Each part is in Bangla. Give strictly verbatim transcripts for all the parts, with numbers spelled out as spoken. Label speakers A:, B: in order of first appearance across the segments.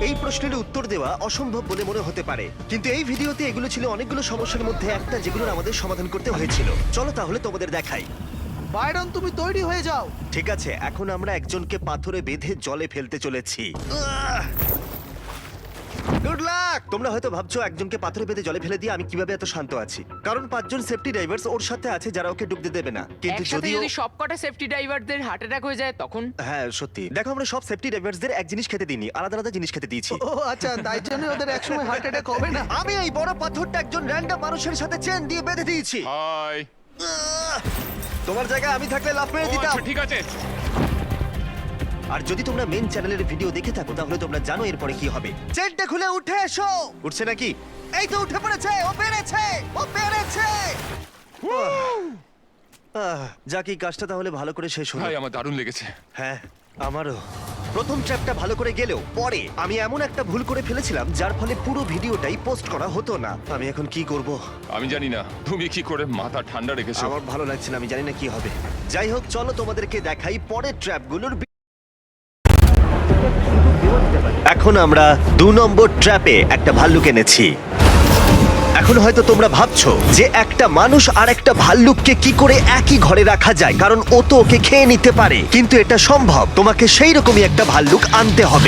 A: এই প্রশ্নের উত্তর দেওয়া অসম্ভব বলে মনে হতে পারে, কিন্তু এই ভিডিওতে এগুলো ছিল অনেকগুলো সমস্যার মধ্যে একটা যেগুলোর আমাদের সমাধান করতে হয়েছিল। চলো তাহলে তোমাদের দেখাই।
B: বাইরন, তুমি তৈরি হয়ে যাও।
A: ঠিক আছে, এখন আমরা একজনকে পাথরে বেঁধে জলে ফেলতে চলেছি। Good luck! তোমরা হয়তো ভাবছো একজনকে পাথরে বেঁধে জলে ফেলে দিয়ে আমি কিভাবে এত শান্ত আছি, কারণ পাঁচজন সেফটি ড্রাইভার্স ওর সাথে আছে যারা ওকে ডুবতে দেবে না। কিন্তু
C: একসাথে
A: যদিও
C: যদি সবকটা সেফটি ড্রাইভারদের হার্ট অ্যাটাক হয়ে যায় তখন?
A: হ্যাঁ সত্যি, দেখো আমরা সব সেফটি ড্রাইভার্সদের এক জিনিস খেতে দিইনি, আলাদা আলাদা জিনিস খেতে দিয়েছি।
B: ও আচ্ছা, তাই জন্য ওদের একসময় হার্ট অ্যাটাক হবে না।
A: আমি এই বড় পাথরটা একজন র্যান্ডম মানুষের সাথে চেন দিয়ে বেঁধে দিয়েছি।
D: হাই।
A: আহ! তোমার জায়গায় আমি থাকলে লাফ মেরে দিতাম।
D: ঠিক আছে।
A: আর যদি তোমরা মেন চ্যানেলের ভিডিও দেখে থাকো তাহলে তোমরা জানো এরপরে কি হবে। চেনটা খুলে উঠে এসো। উঠছে নাকি? এই তো উঠে পড়েছে, ও পেরেছে, ও পেরেছে। আহ, যাক এই কাজটা তাহলে ভালো করে শেষ হলো।
D: ভাই আমার দারুণ লেগেছে।
A: হ্যাঁ আমারও। প্রথম ট্র্যাপটা ভালো করে গেলেও পরে আমি এমন একটা ভুল করে ফেলেছিলাম যার ফলে পুরো ভিডিওটাই পোস্ট করা হতো না। আমি এখন কি করব?
D: আমি জানি না তুমি কি করে মাথা ঠান্ডা রেখেছো।
A: আমার ভালো লাগছে না, আমি জানি না কি হবে। যাই হোক, চলো তোমাদেরকে দেখাই পরের ট্র্যাপগুলোর। এখন আমরা দু নম্বর ট্র্যাপে একটা ভাল্লুক এনেছি। এখন হয়তো তোমরা ভাবছো যে একটা মানুষ আর একটা ভাল্লুককে কি করে একই ঘরে রাখা যায়, কারণ ও তো ওকে খেয়ে নিতে পারে। কিন্তু এটা সম্ভব, তোমাকে সেই রকমই একটা ভাল্লুক আনতে হবে।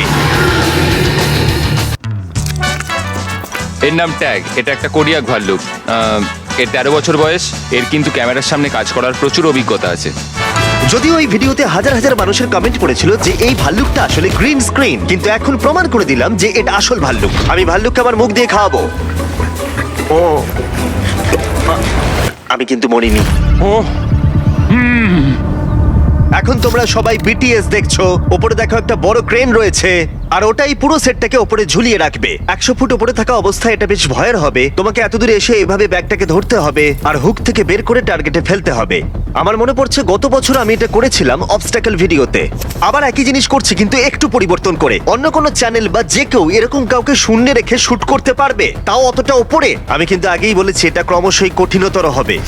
D: এর নাম ট্যাগ। এটা একটা কোরিয়াক ভাল্লুক। আহ, এর তেরো বছর বয়স। এর কিন্তু ক্যামেরার সামনে কাজ করার প্রচুর অভিজ্ঞতা আছে।
A: যদিও এই ভিডিওতে হাজার হাজার মানুষের কমেন্ট পড়েছিল যে এই ভাল্লুকটা আসলে গ্রিন স্ক্রিন, কিন্তু এখন প্রমাণ করে দিলাম যে এটা আসল ভাল্লুক। আমি ভাল্লুককে আমার মুখ দিয়ে খাওয়াবো। ও আমি কিন্তু মরিনি।
D: ও
A: এখন তোমরা সবাই বিটিএস দেখছো। ওপরে দেখো একটা বড় ক্রেন রয়েছে, আর ওটাই পুরো সেটটাকে ওপরে ঝুলিয়ে রাখবে। একশো ফুট ওপরে থাকা অবস্থায় এটা বেশ ভয়ের হবে। তোমাকে এত দূরে এসে এভাবে ব্যাগটাকে ধরতে হবে আর হুক থেকে বের করে টার্গেটে ফেলতে হবে। আমার মনে পড়ছে গত বছর আমি এটা করেছিলাম অবস্টাকল ভিডিওতে। আবার একই জিনিস করছি কিন্তু একটু পরিবর্তন করে। অন্য কোনো চ্যানেল বা যে কেউ এরকম কাউকে শূন্যে রেখে শুট করতে পারবে, তাও অতটা ওপরে। আমি কিন্তু আগেই বলেছি এটা ক্রমশই কঠিনতর হবে।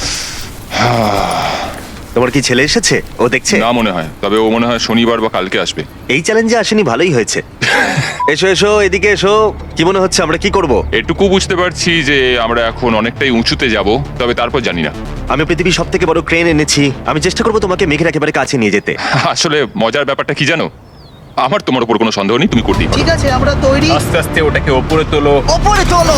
A: তোমার কি ছেলে এসেছে? ও দেখছে?
D: না মনে হয়, তবে ও মনে হয় শনিবার বা কালকে আসবে।
A: এই চ্যালেঞ্জে আসেনি, ভালোই হয়েছে। এসো এসো, এদিকে এসো। কি মনে হচ্ছে আমরা কি করব?
D: এটুকু বুঝতে পারছি যে আমরা এখন অনেকটাই উঁচুতে যাব, তবে তারপর জানি না।
A: আমি পৃথিবীর সব থেকে বড় ক্রেন এনেছি। আমি চেষ্টা করবো তোমাকে মেঘের একেবারে কাছে নিয়ে যেতে।
D: আসলে মজার ব্যাপারটা কি জানো, আমার তোমার উপর কোনো সন্দেহ নেই, তুমি করতেই পারো।
B: ঠিক আছে, আমরা তৈরি।
E: আস্তে আস্তে ওটাকে ওপরে তোলো।
A: ওপরে তোলো।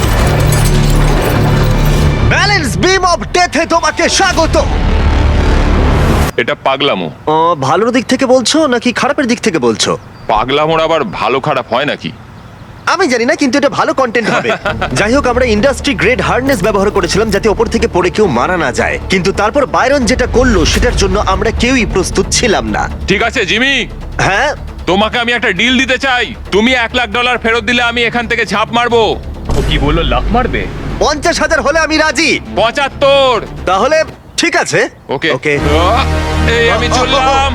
A: ব্যালেন্স বিম অফ ডেথে তোমাকে স্বাগত।
D: এটা পাগলামো।
A: ও, ভালোর দিক থেকে বলছো নাকি খারাপের দিক থেকে বলছো?
D: পাগলামোর আবার ভালো খারাপ হয় নাকি?
A: আমি জানি না, কিন্তু এটা ভালো কন্টেন্ট হবে। যাই হোক, আমরা ইন্ডাস্ট্রি গ্রেড হার্নেস ব্যবহার করেছিলাম যাতে ওপর থেকে পড়ে কেউ মারা না যায়। কিন্তু তারপর বাইরন যেটা করলো সেটার জন্য আমরা কেউই প্রস্তুত ছিলাম না।
D: ঠিক আছে জিমি,
A: হ্যাঁ
D: তোমাকে আমি একটা ডিল দিতে চাই। তুমি এক লাখ ডলার ফেরত দিলে আমি এখান থেকে ঝাঁপ মারবো।
E: ও কি বললো, লাফ মারবে?
A: পঞ্চাশ হাজার হলে আমি রাজি।
D: পঁচাত্তর।
A: তাহলে ঠিক আছে।
D: ওকে
A: ওকে।
D: আহ, এই আমি চললাম।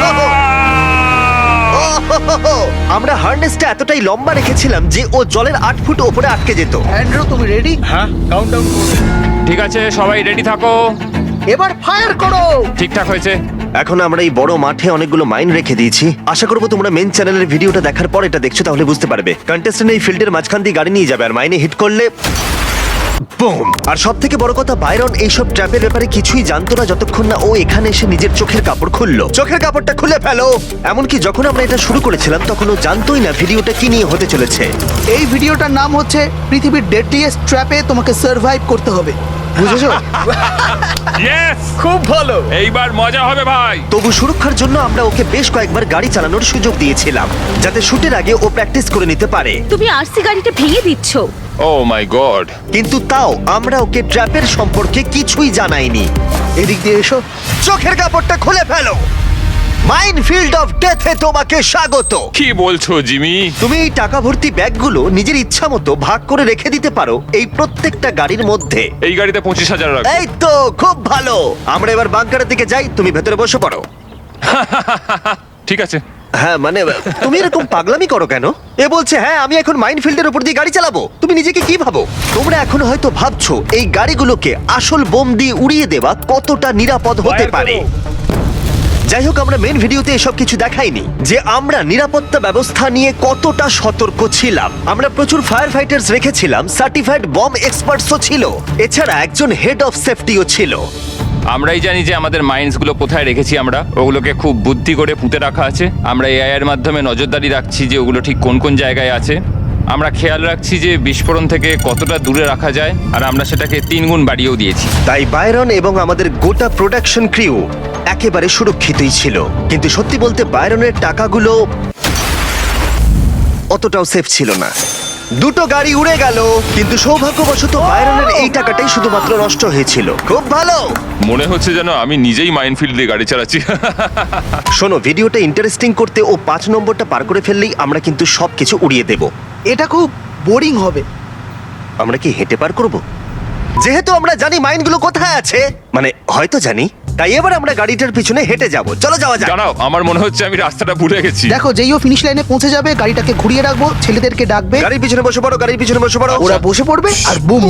A: আমরা হার্নেসটা এতটাই লম্বা রেখেছিলাম যে ও জলের আট ফুট ওপরে আটকে যেত।
B: অ্যান্ড্রু, তুমি রেডি?
E: হ্যাঁ, কাউন্টডাউন করবে।
D: ঠিক আছে, সবাই রেডি থাকো।
B: এবার ফায়ার করো।
D: ঠিকঠাক হয়েছে।
A: এখন আমরা এই বড় মাঠে অনেকগুলো মাইন রেখে দিয়েছি। আশা করবো তোমরা মেন চ্যানেলের ভিডিওটা দেখার পর এটা দেখছো, তাহলে বুঝতে পারবে। কন্টেস্টেন্ট এই ফিল্ডের মাঝখান দিয়ে গাড়ি নিয়ে যাবে আর মাইনে হিট করলে বুম। আর সব থেকে বড় কথা, বাইরন এইসব ট্র্যাপের ব্যাপারে কিছুই জানতো না যতক্ষণ না ও এখানে এসে নিজের চোখের কাপড় খুললো। চোখের কাপড়টা খুলে ফেলো। এমনকি যখন আমরা এটা শুরু করেছিলাম তখন ও জানতোই না ভিডিওটা কি নিয়ে হতে চলেছে।
B: এই ভিডিওটার নাম হচ্ছে পৃথিবীর ডেডলিয়েস্ট ট্র্যাপে তোমাকে সার্ভাইভ করতে হবে। বুঝেছো?
D: ইয়েস,
E: খুব ভালো।
D: এইবার মজা হবে ভাই।
A: তবু সুরক্ষার জন্য আমরা ওকে বেশ কয়েকবার গাড়ি চালানোর সুযোগ দিয়েছিলাম যাতে শুটের আগে ও প্র্যাকটিস করে নিতে পারে।
F: তুমি আরসি গাড়িটা ভেঙে দিচ্ছ।
D: Oh my god.
A: কিন্তু তাও আমরা ওকে ট্র্যাপের সম্পর্কে কিছুই জানাইনি।
B: এদিক দিয়ে এসো।
A: চোখের কাপড়টা খুলে ফেলো। মাইনফিল্ড অফ ডেথে তোমাকে স্বাগত।
D: কি বলছো জিমি?
A: তুমি এই টাকা ভর্তি ব্যাগগুলো নিজের ইচ্ছা মতো ভাগ করে রেখে দিতে পারো এই প্রত্যেকটা গাড়ির মধ্যে।
D: এই গাড়িতে পঁচিশ হাজার রাখো।
A: এই তো খুব ভালো। আমরা এবার বাংকারের দিকে যাই, তুমি ভেতরে বসে পড়ো।
D: ঠিক আছে।
A: হ্যাঁ মানে তুমি এরকম পাগলামি করো কেন? এ বলছে হ্যাঁ আমি এখন মাইনফিল্ডের উপর দিয়ে গাড়ি চালাবো। তুমি নিজেকে কি ভাবো? তোমরা এখন হয়তো ভাবছো এই গাড়িগুলোকে আসল বোম দিয়ে উড়িয়ে দেওয়া কতটা নিরাপদ হতে
E: Fire
A: পারে।
E: করো।
A: যাই হোক, আমরা মেন ভিডিওতে এসব কিছু দেখাইনি যে আমরা নিরাপত্তা ব্যবস্থা নিয়ে কতটা সতর্ক ছিলাম। আমরা প্রচুর ফায়ার ফাইটার্স রেখেছিলাম, সার্টিফাইড বম এক্সপার্টসও ছিল, এছাড়া একজন হেড অফ সেফটিও ছিল।
D: আমরাই জানি যে আমাদের মাইন্ডস গুলো কোথায় রেখেছি, আমরা ওগুলোকে খুব বুদ্ধি করে পুঁতে রাখা আছে। আমরা এআই এর মাধ্যমে নজরদারি রাখছি যে ওগুলো ঠিক কোন কোন জায়গায় আছে। আমরা খেয়াল রাখছি যে বিস্ফোরণ থেকে কতটা দূরে রাখা যায়, আর আমরা সেটাকে তিন গুণ বাড়িয়েও দিয়েছি।
A: তাই বায়রন এবং আমাদের গোটা প্রোডাকশন ক্রিউ একেবারে সুরক্ষিতই ছিল। কিন্তু সত্যি বলতে বায়রনের টাকাগুলো অতটাও সেফ ছিল না। দুটো গাড়ি উড়ে গেল, কিন্তু সৌভাগ্যবশত বায়রনের এই টাকাটাই শুধুমাত্র নষ্ট হয়েছিল। খুব ভালো।
D: মনে হচ্ছে যেন আমি নিজেই মাইনফিল্ড দিয়ে গাড়ি চালাচ্ছি।
A: শোনো, ভিডিওটা ইন্টারেস্টিং করতে ও পাঁচ নম্বরটা পার করে ফেললেই আমরা কিন্তু সবকিছু উড়িয়ে দেব।
B: এটা খুব বোরিং হবে।
A: আমরা কি হেঁটে পার করব? যেহেতু আমরা জানি মাইনগুলো কোথায় আছে, মানে হয়তো জানি, তাই এবার আমরা গাড়িটার পিছনে হেঁটে যাব। চলো যাওয়া যাক।
D: জানাও, আমার মনে হচ্ছে আমি রাস্তাটা ভুলে গেছি।
B: দেখো, যেই ও ফিনিশ লাইনে পৌঁছে যাবে গাড়িটাকে ঘুরিয়ে রাখবো, ছেলেদেরকে ডাকবে,
A: গাড়ির পিছনে বসে পড়ো, গাড়ির পিছনে বসে পড়ো।
B: ওরা বসে পড়বে আর বুম।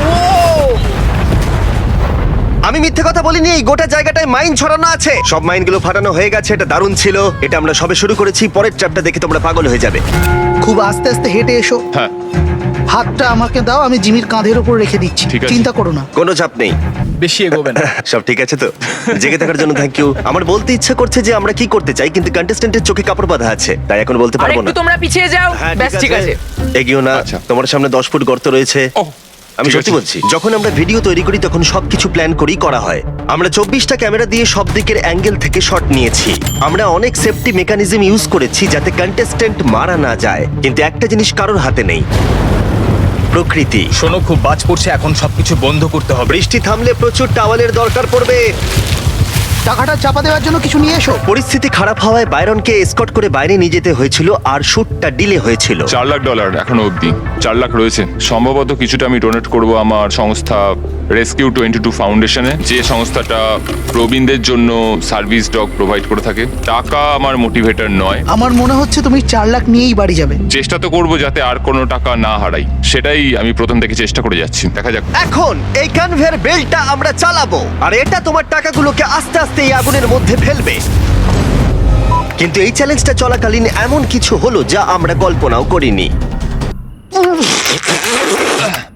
A: আমি মিথ্যে কথা বলিনি, এই গোটা জায়গাটায় মাইন ছড়ানো আছে। সব মাইনগুলো ফাটানো হয়ে গেছে। এটা দারুণ ছিল। এটা আমরা সবে শুরু করেছি। পরের ট্র্যাপটা দেখে তোমরা পাগল হয়ে যাবে।
B: খুব আস্তে আস্তে হেঁটে এসো।
D: হ্যাঁ,
B: হাতটা আমাকে দাও, আমি জিমির কাঁধের উপর রেখে দিচ্ছি।
D: ঠিক আছে।
B: চিন্তা করো না।
A: কোনো চাপ নেই।
E: বেশি এগোবে না।
A: সব ঠিক আছে তো? জেগে থাকার জন্য থ্যাংক ইউ। আমার বলতে ইচ্ছা করছে যে আমরা কি করতে চাই, কিন্তু কন্টেস্ট্যান্টের চোখে কাপড় বাঁধা আছে, তাই এখন বলতে
C: আর
A: পারবো না।
C: একটু তোমরা পিছিয়ে যাও।
A: হ্যাঁ,
C: ব্যাস ঠিক আছে।
A: এগিয়েও না।
D: আচ্ছা।
A: তোমার সামনে দশ ফুট গর্ত রয়েছে।
D: ওহ,
A: আমি
D: ঠিক
A: সত্যি
D: আছে।
A: বলছি, যখন আমরা ভিডিও তৈরি করি তখন সবকিছু প্ল্যান করেই করা হয়। আমরা চব্বিশটা ক্যামেরা দিয়ে সব দিকের অ্যাঙ্গেল থেকে শট নিয়েছি। আমরা অনেক সেফটি মেকানিজম ইউজ করেছি যাতে কন্টেস্ট্যান্ট মারা না যায়, কিন্তু একটা জিনিস কারোর হাতে নেই, প্রকৃতি।
E: শোনো, খুব বাজ পড়ছে, এখন সবকিছু বন্ধ করতে হবে।
A: বৃষ্টি থামলে প্রচুর টাওয়ালের দরকার পড়বে।
B: টাকাটা চাপা দেওয়ার জন্য কিছু নিয়ে এসো।
A: পরিস্থিতি খারাপ হওয়ায় বাইরনকে এসকর্ট করে বাইরে নিয়ে যেতে হয়েছিল, আর শুটটা ডিলে হয়েছিল।
D: চার লাখ ডলার এখনো অবধি চার লাখ রয়েছে। সম্ভবত কিছুটা আমি ডোনেট করব আমার সংস্থা রেস্কিউ টোয়েন্টি টু ফাউন্ডেশনে, যে সংস্থাটা প্রবীণদের জন্য সার্ভিস ডগ প্রোভাইড করে থাকে। টাকা আমার মোটিভেটর নয়।
B: আমার মনে হচ্ছে তুমি চার লাখ নিয়েই বাড়ি যাবে।
D: চেষ্টা তো করবো যাতে আর কোনো টাকা না হারাই, সেটাই আমি প্রথম থেকে চেষ্টা করে যাচ্ছি। দেখা যাক।
A: এখন এই কনভেয়ার বেল্টটা আমরা চালাবো, আর এটা তোমার টাকাগুলোকে আস্তে আস্তে এই আগুনের মধ্যে ফেলবে। কিন্তু এই চ্যালেঞ্জটা চলাকালীন এমন কিছু হলো যা আমরা কল্পনাও করিনি।